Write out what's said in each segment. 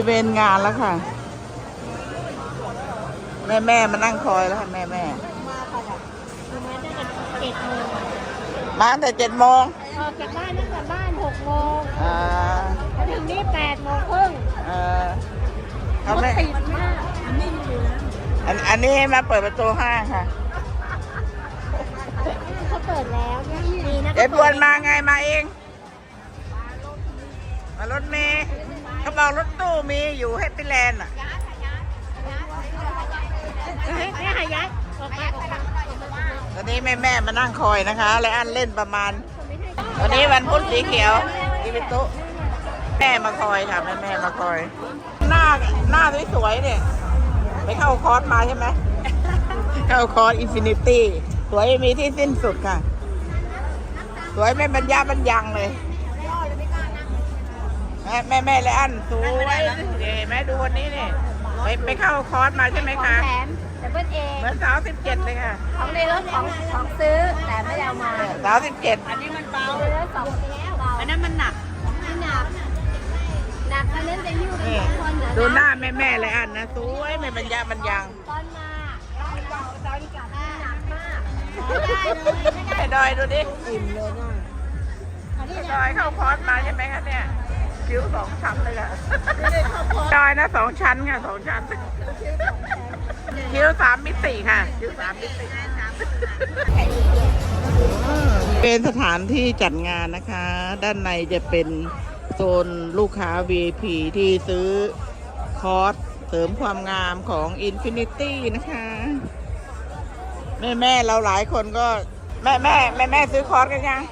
เวรงานแล้วค่ะแม่มานั่งคอยแล้วค่ะแม่มาค่ะคือมาตั้งแต่7 โมงมาตั้งแต่7 โมงออกจากบ้านตั้งแต่บ้าน6 โมงมาถึงนี่8 โมงครึ่งเขาไม่ติดมากอันนี้อยู่แล้วอันนี้มาเปิดประตูห้างค่ะเขาเปิดแล้วดีนะเอ็ดวนมาไงมาเองมารถเมย์เขาบอกรถตู้มีอยู่ให้ไปแลนด์อ่ะไม่หายัดออกมาตอนนี้แม่มานั่งคอยนะคะและอันเล่นประมาณวันนี้วันพุธสีเขียวอีวิตุแม่มาคอยค่ะแม่มาคอยหน้าสวยๆเนี่ยไปเข้าคอร์สมาใช่ไหมเข้าคอร์สอินฟินิตี้สวยมีที่สิ้นสุดค่ะสวยไม่บรรยางเลยแม่และอันสวยเห็นไหมดูวันนี้เนี่ยไปเข้าคอร์สมาใช่ไหมคะแถมแต่เบิ้ลเองเหมือน17เลยค่ะของในรถของซื้อแต่ไม่ได้เอามา 17 อันนี้มันเบาเลยแล้ว2 แล้วเบาอันนั้นมันหนักไม่หนักอันนั้นจะยิ้วเป็น2 คนดูหน้าแม่และอันนะสวยไม่บรรยางตอนมาตอนกลับหนักมากไอ้ดอยดูดิอิ่มเลยนะดอยเข้าคอร์สมาใช่ไหมคะเนี่ยคิ้ว2 ชั้นเลยค่ะดอยนะ2 ชั้นค่ะ2 ชั้นคิ้ว3 มิติค่ะคิ้ว3 มิติเป็นสถานที่จัดงานนะคะ ด้านในจะเป็นโซนลูกค้า VIP ที่ซื้อคอร์สเสริมความงามของ Infinity นะคะแม่เราหลายคนก็แม่ซื้อคอร์สกันยัง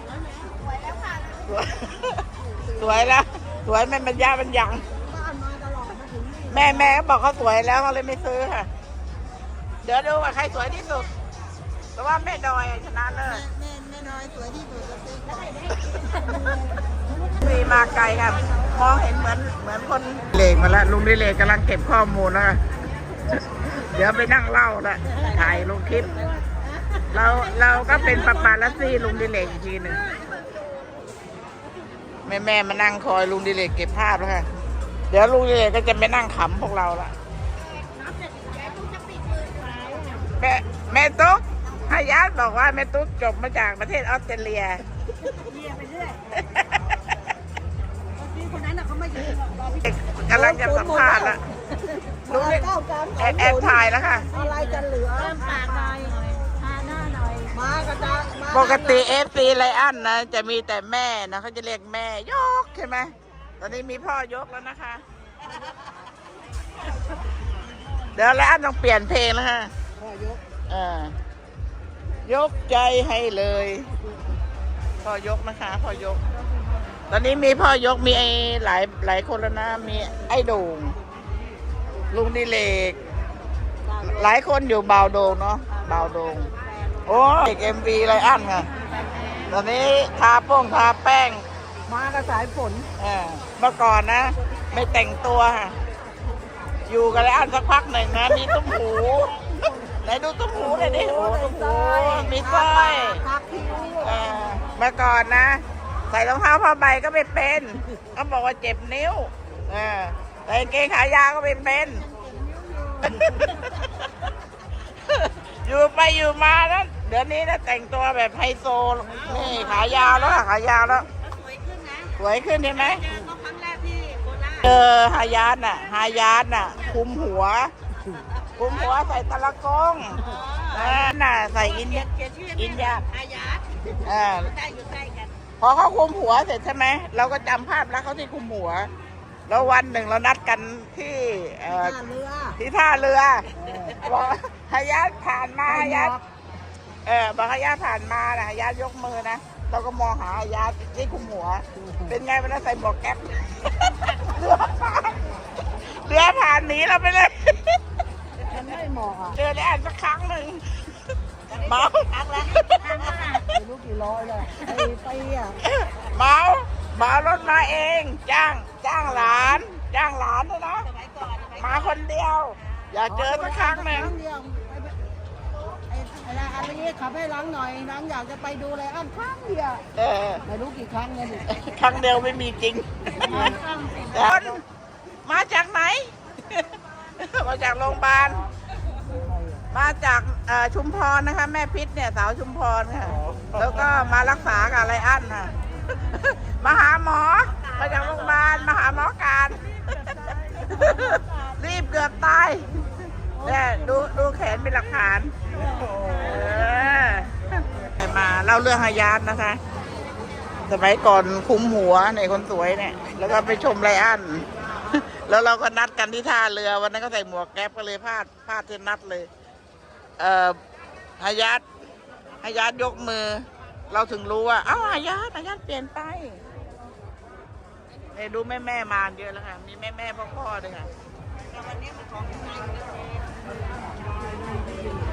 สวยแล้วสวยไม่บรรยางแม่บอกเขาสวยแล้วเขาเลยไม่ซื้อค่ะเดี๋ยวดูว่าใครสวยที่สุดเพราะว่าแม่ดอยชนะเลิศแม่ดอยสวยที่สุดมีมาไกลครับมองเห็นเหมือนคนเลงมาแล้วลุงดิเลกกำลังเก็บข้อมูลแล้วเดี๋ยวไปนั่งเล่าละถ่ายลงคลิปเราก็เป็นปาปาลัสซี่ลุงดิเลกอีกทีหนึ่งแม่มานั่งคอยลุงดิเลกเก็บภาพแล้วค่ะเดี๋ยวลุงดิเลกก็จะไปนั่งขำพวกเราละแม่ตุ๊กฮายาตบอกว่าแม่ตุ๊กจบมาจากประเทศออสเตรเลียไปเรื่อยคนนั้นเขาไม่ยืนกำลังจะสัมภาษณ์ละลุงดิแอบถ่ายแล้วค่ะอะไรจะเหลือปากหน่อยทาหน้าหน่อยมากระจายปกติFC ไลอันนะจะมีแต่แม่นะเขาจะเรียกแม่ยกใช่ไหมตอนนี้มีพ่อยกแล้วนะคะเดี๋ยวไลอันต้องเปลี่ยนเพลงแล้วค่ะพ่อยกยกใจให้เลยพ่อยกนะคะพ่อยกตอนนี้มีพ่อยกมีไอ้หลายคนแล้วนะมีไอ้โด่งลุงดิเลกหลายคนอยู่บ่าวโด่งเนาะบ่าวโด่งโอ้เด็กMVไลอันค่ะตอนนี้ทาแป้งมากระสายฝนเมื่อก่อนนะไม่แต่งตัวค่ะอยู่กันไลอันสักพักหนึ่งนะมีตุ้มหูไหนดูตุ้มหูหน่อยดิโอ้ตุ้มหูมีสร้อยเมื่อก่อนนะใส่รองเท้าผ้าใบก็ไม่เป็นเขาบอกว่าเจ็บนิ้วใส่กางเกงขายาวก็ไม่เป็นอยู่ไปอยู่มาแล้วเดี๋ยวนี้นะแต่งตัวแบบไฮโซนี่ขายาวแล้วสวยขึ้นนะสวยขึ้นใช่ไหมครั้งแรกที่โคราชฮายาตน่ะคุมหัวใส่ตะละกงน่ะใส่อินยาฮายาตอยู่ใกล้กันพอเขาคุมหัวเสร็จใช่ไหมเราก็จำภาพแล้วเขาที่คุมหัวแล้ววันหนึ่งเรานัดกันที่ท่าเรือบอกฮายาตผ่านมาฮายาตบอกฮายาตผ่านมานะฮายาตยกมือนะเราก็มองหาฮายาตที่คุมหัวเป็นไงมันใส่หมวกแก๊ปเรือผ่านหนีเราไปเลยไม่เหมาะเจอได้อ่านสักครั้งหนึ่งเมาครั้งแล้วไม่รู้กี่ร้อยเลยไปเมารถมาเองจ้างหลานด้วยนะมาคนเดียวอยากเจอสักครั้งหนึ่งอันนี้ขับให้ล้างหน่อยล้างอยากจะไปดูอะไรอันครั้งเดียวไม่รู้กี่ครั้งเลยครั้งเดียวไม่มีจริงมาจากไหนมาจากโรงพยาบาลมาจากชุมพรนะคะ แม่พิษเนี่ยสาวชุมพรค่ะแล้วก็มารักษากับไรอันค่ะมาหาหมอมาจากโรงพยาบาลมาหาหมอการ รีบเกือบตายเนี่ยดูแขนเป็นหลักฐานมาเล่าเรื่องฮายาทนะคะ สมัยก่อนคุมหัวในคนสวยเนี่ยแล้วก็ไปชมไรอัน แล้วเราก็นัดกันที่ท่าเรือวันนั้นก็ใส่หมวกแก๊ปก็เลยพลาดที่นัดเลยฮายาทยกมือ เราถึงรู้ว่าอ้าวฮายาทเปลี่ยนไปเนี่ยดูแม่มาเยอะแล้วค่ะมีแม่พ่อด้วยค่ะ